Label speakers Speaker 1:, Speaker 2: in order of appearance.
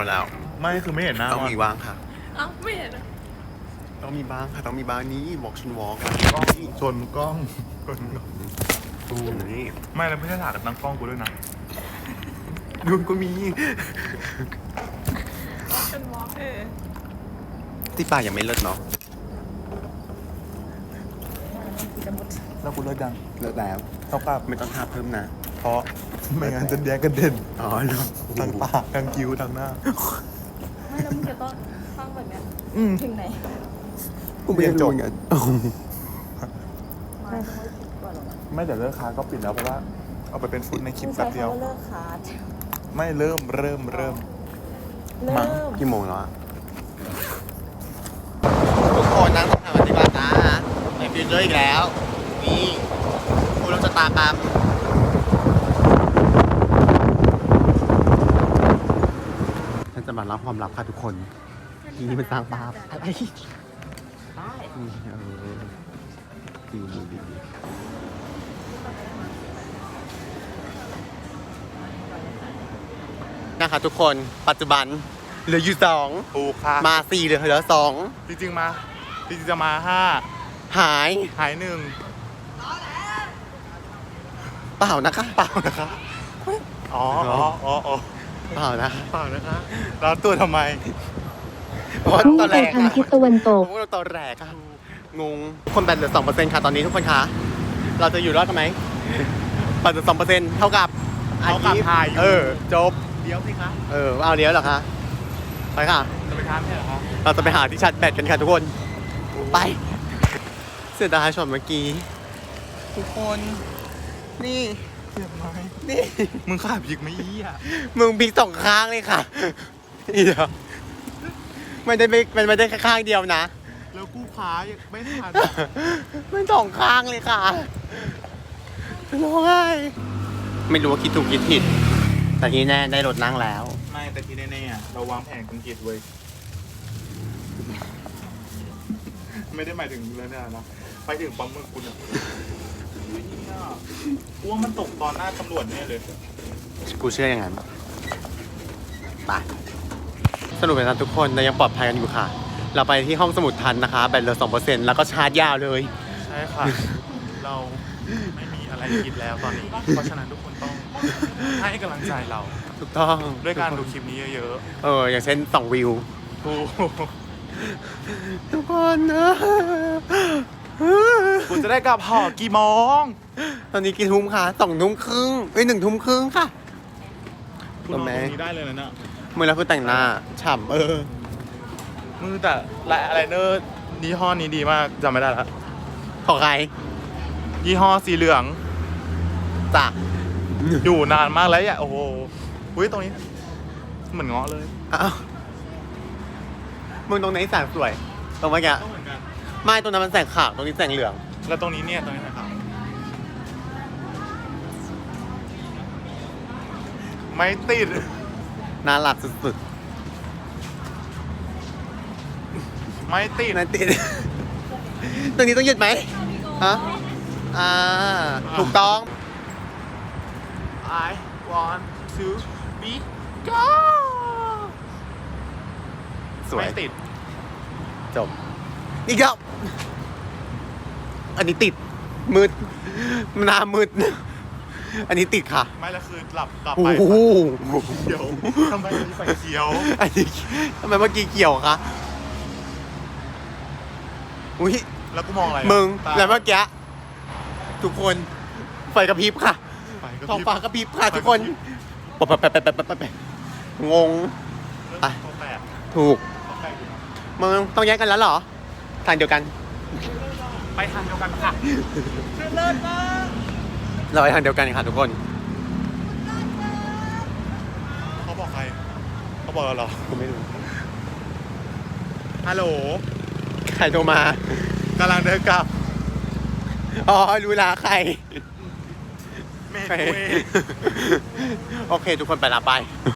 Speaker 1: แล้ว
Speaker 2: ไม่คือไม่เห็นหน้า
Speaker 1: ต้องมีบ้างค่ะ
Speaker 3: เอ้าไม่เห็นอะ
Speaker 1: ต้องมีบ้างค่ะต้องมีบ้างนี้บอกฉันวอล์ก
Speaker 2: กล้องชนกล้องชนกล้อง
Speaker 1: ตูนี่
Speaker 2: ไม่แล้วไม่ใช่ถ่ายกับตั้งกล้องกูด้วยนะ
Speaker 1: นุ่นก็มี
Speaker 3: เป็นวอล์ก
Speaker 1: ที่ป่ายังไม่เลิศเนาะ
Speaker 2: แล้วกูเลิกยัง
Speaker 1: เลิศแล้ว
Speaker 2: เท่ากับ
Speaker 1: ไม่ต้องทาเพิ่มนะ เพราะ
Speaker 2: ไม่งั้นจะแดงกันเด่น
Speaker 1: อ๋อเนาะ
Speaker 2: ทั้งปากทั้งคิ้วทั้งหน้า
Speaker 3: ไม่แล้วมึงจะต้องฟังแบบเนี้ย
Speaker 2: อืม
Speaker 3: ถึงไหน
Speaker 1: กูไม่ได้รู้เหมือนกัน
Speaker 3: ไม่ต้องคิดก่อนหรอกนะ
Speaker 2: ไม่เดี๋ยวเลิกค้าก็ปิดแล้วเพราะว่า เอาไปเป็นฟุตในคลิป
Speaker 3: มึง
Speaker 2: แป๊
Speaker 3: ใช้
Speaker 2: บเดียว
Speaker 3: คำว่าเลิกคาร์ด
Speaker 2: ไม่เริ่ม
Speaker 3: เริ่
Speaker 2: มั้ง
Speaker 3: ม
Speaker 1: กี่โมงแล้วอะทุกคนนั่งทำปฏิบัตินะในฟิวเจอร์อีกแล้วนี่คุณเราจะตามปั๊มฉันจะมาเล่าความลับค่ะทุกคนทีนี้มันสร้างภาพอะไรดีนะคะทุกคนปัจจุบันเหลืออยู่สอง
Speaker 2: ถูกค่ะ
Speaker 1: มาสี่เหลือสอง
Speaker 2: จริงๆจะมาห้า
Speaker 1: หาย
Speaker 2: หายหนึ่ง
Speaker 1: เปล่านะคะ
Speaker 2: เปล่านะคะอ๋ออ๋อ
Speaker 1: เปล่านะ
Speaker 2: เปล่านะคะแล้วตัวทำไม
Speaker 1: เพราะว่า
Speaker 4: พุ่ง
Speaker 1: ตอน
Speaker 4: ไป
Speaker 1: แรก
Speaker 4: ทางทิศตะวันตก
Speaker 1: พวกเราตอนแรกอะงงคนแบตเหลือ 2% ค่ะตอนนี้ทุกคนคะ เราจะอยู่รอดกันไหมแบตเหลือ 2%เท่ากับ
Speaker 2: เท่ากับถ่ายอยู่
Speaker 1: จบ
Speaker 2: เดี๋ยวสิคะ
Speaker 1: เอาเดี๋ยวเหรอคะ ไปค่ะ
Speaker 2: จะไปทานใช่เหรอคะ
Speaker 1: เราจะไปหาที่ชาร์จแบตกันค่ะทุกคน ไป เสียดายช็อตเมื่อกี้ ทุกคน นี่
Speaker 2: เจ็บไหม
Speaker 1: นี่
Speaker 2: มึงขาพริกไม่อี้อ่ะ
Speaker 1: มึงพลิกสองข้างเลยค่ะเดี๋ยวมันไม่ได้แค่ข้างเดียวนะ
Speaker 2: แล้วกูขายังไม่ทัน
Speaker 1: มันสองข้างเลยค่ะร้องไห้ไม่รู้ว่าคิดถูกคิดผิด แต่ที่แน่ได้รถนั่งแล้ว
Speaker 2: ไม่แต่ที่แน่ๆอะเราวางแผนกันกิจไว้ไม่ได้หมายถึงเรื่องนี้นะไปถึงปั๊มเมืองคุณอ่ะอุ๊ยเนี่ยกูว่ามันตกตอนหน้าตำรวจแน่เลย
Speaker 1: กูเชื่ออย่างนั้นไปสรุปเป็นว่าทุกคนเรายังปลอดภัยกันอยู่ค่ะ เราไปที่ห้องสมุดทันนะคะ แบตเหลือ 2% แล้วก็ชาร์จยาวเลย
Speaker 2: ใช่ค่ะ เราไม่มีอะไรกินแล้วตอนนี้ เพราะฉะนั้นทุกคนต้องให้กำลังใจเรา
Speaker 1: ถูกต้อง
Speaker 2: ด้วยการดูคลิปนี้เยอะ
Speaker 1: อย่างเช่น2วิว
Speaker 2: ๆถูก
Speaker 1: ทุกคนนะ
Speaker 2: กูจะได้กลับหอกี่โมง
Speaker 1: ตอนนี้กี่ทุ่มคะ2 ทุ่มครึ่ง1 ทุ่มครึ่งค่ะ
Speaker 2: กูนอนตรงนี้ได้เลยนะเนี่ย
Speaker 1: มือแล้วคือแต่งหน้าฉ่ำ
Speaker 2: มือแต่อะไรเนอร์ยี่ห้อนี้ดีมากจำไม่ได้ละ
Speaker 1: ของใคร
Speaker 2: ยี่ห้อสีเหลือง
Speaker 1: จ้ะ
Speaker 2: อยู่นานมากแล้วอ่ะโอ้โหอุ้ยตรงนี้เหมือนเงาะเลย
Speaker 1: อ้าวมึงตรงไหนแสงสวย ตรงเมื่อกี้
Speaker 2: ก็เหมือนกัน
Speaker 1: ไม่ตรงนั้นมันแสงขาวตรงนี้แสงเหลือง
Speaker 2: แล้วตรงนี้เนี่ยตรงนี้นะครับไม่ติด
Speaker 1: น่ารักสุด
Speaker 2: ไม่ติด
Speaker 1: ๆนั่นติด ตรงนี้ต้องหยุดไหมฮะถูกต้อง
Speaker 2: I want to be go
Speaker 1: สวย
Speaker 2: ไม่ติด
Speaker 1: จบอีกแล้วอันนี้ติด มืดหน้ามืด อันนี้ติดค่ะ
Speaker 2: ไม่แล้วคือหลับกลับ
Speaker 1: โอ้
Speaker 2: ไป
Speaker 1: โห
Speaker 2: เขียวทำไมมีไฟเขียว
Speaker 1: อันนี้ทำไมเมื่อกี้เกี่ยวคะอุ้ย
Speaker 2: แล้วกูมองอะไรอะ
Speaker 1: มึง
Speaker 2: ตา
Speaker 1: แล้วเมื่อกี้ทุกคนไฟกระพริบค่ะ
Speaker 2: ไฟกระพริบ
Speaker 1: ท้องฟ้ากระพริบค่ะทุกคน
Speaker 2: ไฟกระพริบ
Speaker 1: แปะงง ไป
Speaker 2: ตัวแปด
Speaker 1: ถูก
Speaker 2: ตัวแปดอยู่นะ
Speaker 1: มึงต้องแยกกันแล้วเหรอทางเดียวกัน
Speaker 2: ไปทางเดียวกันค่ะเลิศมาก
Speaker 1: เราไปทางเดียวกันค่ะทุกคน
Speaker 2: เขาบอกใครเขาบอกเราเหรอ
Speaker 1: ผมไม่รู้
Speaker 2: ฮัลโหล
Speaker 1: ใครโทรมาก
Speaker 2: ำลังเดินกลับ
Speaker 1: อ๋อรู้ละใคร
Speaker 2: เมย์กูเอง
Speaker 1: โอเค ทุกคนไปละไป